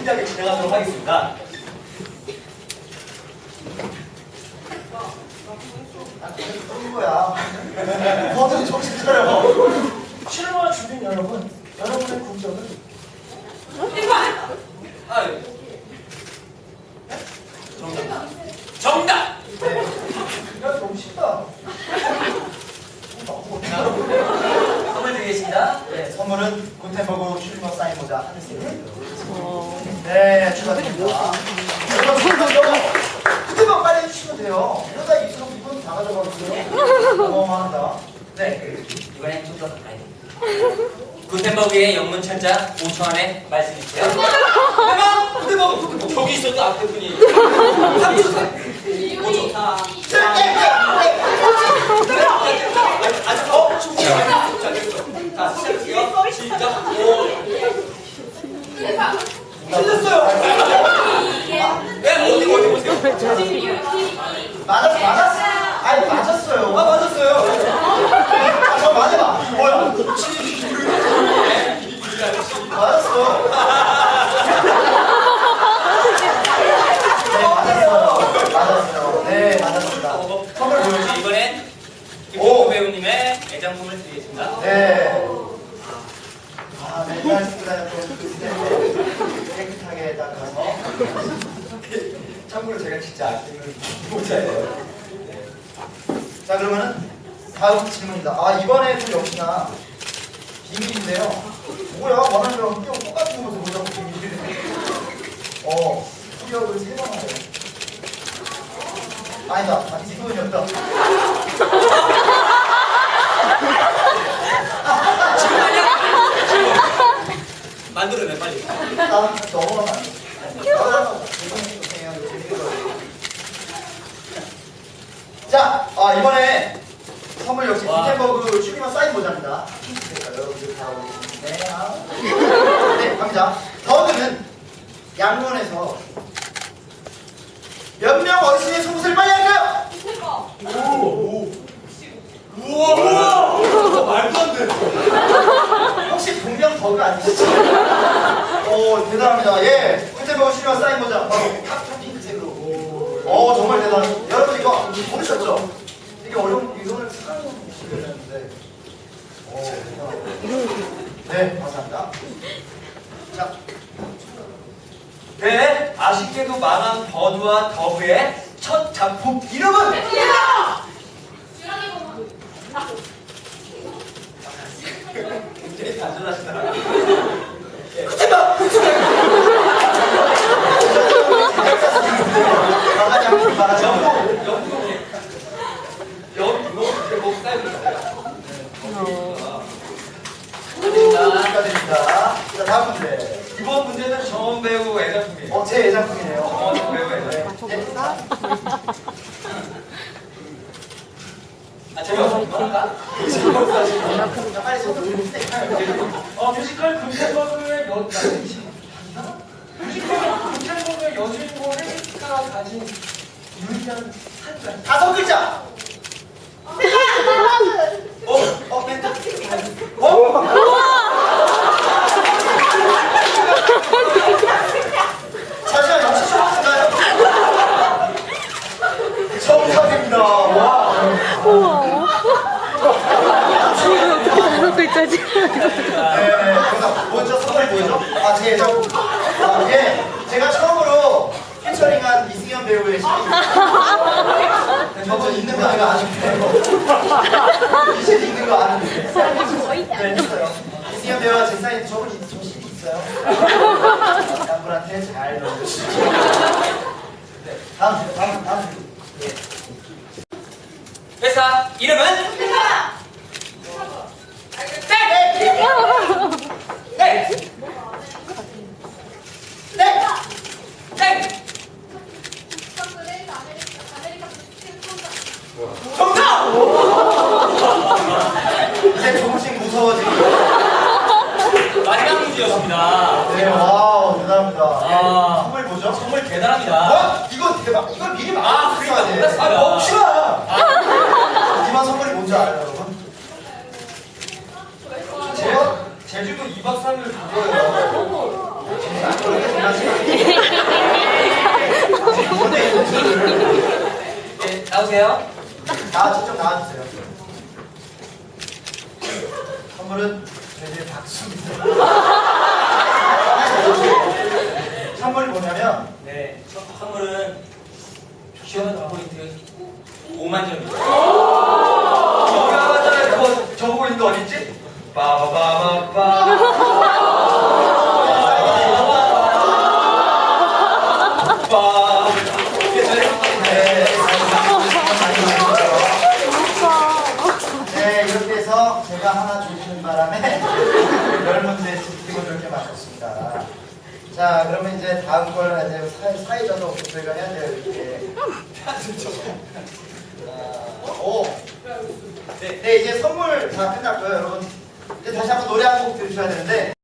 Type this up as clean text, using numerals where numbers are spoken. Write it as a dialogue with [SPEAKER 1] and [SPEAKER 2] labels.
[SPEAKER 1] 스피디하게 진행하도록 하겠습니다.
[SPEAKER 2] 이 거야. 뭐든 정신 차려.
[SPEAKER 3] 실무와 주민 여러분, 여러분의 국적은?
[SPEAKER 1] 아, 정답!
[SPEAKER 2] 네. 야, 너무 쉽다.
[SPEAKER 1] 선물 드리겠습니다.
[SPEAKER 2] 네, 선물은 굿햄버거 슈리머 사인 모자 한 세트. 네, 축하드립니다. 굿햄버거 빨리 해주시면 돼요. 이러다 입수로 이분 다 가져가거든요. 어마어마하다.
[SPEAKER 1] 네, 이번엔 좀 더 가까이. 구텐버그의 영문 철자 5초 안에 말씀해주세요. 해봐! 구텐버그! 저기 있어도 앞에 분이 3초 5초. 자, 시작할게요. 시작. 5. 틀렸어요. 네, 어디 보세요.
[SPEAKER 2] 맞았어. 아니, 맞았어요.
[SPEAKER 1] 아, 맞았어요.
[SPEAKER 2] 아, 저 맞아봐. 뭐야? 맞았어. 네, 맞았어요. 맞았어요. 네, 맞았습니다. 선물 보여주세요.
[SPEAKER 1] 이번엔 김동호 배우님의 애장품을 드리겠습니다.
[SPEAKER 2] 네. 아, 맨날 쓰고 다녔던 그 스텝을 깨끗하게 닦아서. 참고로 제가 진짜 아끼는 모자예요. 네. 자, 그러면은 다음 질문입니다. 아, 이번에도 역시나 비밀인데요. 뭐야? 원하는 거랑 흡력 똑같은 곳에 보자고 비밀을. 흡력을 3번 하래요. 아니다. 이분이었다.
[SPEAKER 1] 지금 아니야? 만들어내 빨리.
[SPEAKER 2] 아, 넘어가면 안 돼. 자, 이번에 선물 역시 굿햄버그 슈리머 사인 모자입니다. 여러분들 다 오겠습니다. 네, 갑니다. 다음은 양문에서 몇 명 어르신의 속옷을 빨리 할까요?
[SPEAKER 1] 우와! 말도 안 돼.
[SPEAKER 2] 혹시 동명 버그 아니시죠? 대단합니다. 예, 굿햄버거 슈리머 사인 모자 바로 탑 핑크색으로. 정말 대단합니다. 여러분 이거 모르셨죠? 이게 어려운 이거를 사용하시려는데. 네, 감사합니다. 자,
[SPEAKER 1] 네, 아쉽게도 망한 버드와 더브의 첫 작품 이름은? 굉장히 단순하시다.
[SPEAKER 2] 축하드립니다. 자, 다음 문제.
[SPEAKER 1] 이번 문제는 정원 배우 애작품이에요.
[SPEAKER 2] 제 예상품이네요.
[SPEAKER 1] 정원 배우 애작품. 재미없어. 할까?
[SPEAKER 2] 자, 빨리 손 들어주세요.
[SPEAKER 3] 뮤지컬 굿햄버거의 굿햄버거의 여주인공 헬리스가 가진 유일한 한 가지.
[SPEAKER 2] 5글자. 멘트. 잠시만, 역시 처음인가요? 정답입니다. 와.
[SPEAKER 4] 다섯 글자지.
[SPEAKER 2] 네, 먼저 선물 보여줘. 제 예정. 예, 제가 처음으로 피처링한 이승현 배우의 시리. 저분 있는 거 내가 아는데. 이실 있는 거 아는데. 네, 있어요. 이승현 배우와 제 사이에 저분 저 시리 있어요. 남분한테 잘 넣어주시죠. 네, 다음. 예.
[SPEAKER 1] 회사 이름은? 정답!
[SPEAKER 2] 이제 조금씩 무서워지고.
[SPEAKER 1] 마지막 문제였습니다.
[SPEAKER 2] 네, 와우, 대단합니다.
[SPEAKER 1] 아.
[SPEAKER 2] 선물 뭐죠?
[SPEAKER 1] 선물 대단합니다.
[SPEAKER 2] 이거 대박. 이걸 미리
[SPEAKER 1] 아,
[SPEAKER 2] 말해줘야 돼.
[SPEAKER 1] 몰랐습니다.
[SPEAKER 2] 멈추라. 하지만 선물이 뭔지 알아요, 여러분?
[SPEAKER 1] 제주도 2박 3일 가고요.
[SPEAKER 2] 그렇게 장난치면
[SPEAKER 1] 나오세요.
[SPEAKER 2] 좀 나와주세요. 선물은 저희의 박수입니다. 선물이 뭐냐면
[SPEAKER 1] 네, 선물은 시원 포인트 5만 점입니다.
[SPEAKER 2] 맞아요. 그거 저보고 있는 거 어딨지? 빠바바바바. 네, 이렇게 해서 제가 하나 주시는 바람에 10문제 지키고 이렇게 맞췄습니다. 자, 그러면 이제 다음 걸 이제 사회자도 없고 저희가 해야 돼요, 이렇게. 오. 네, 이제 선물 다 끝났고요, 여러분. 이제 다시 한번 노래 한 곡 들으셔야 되는데.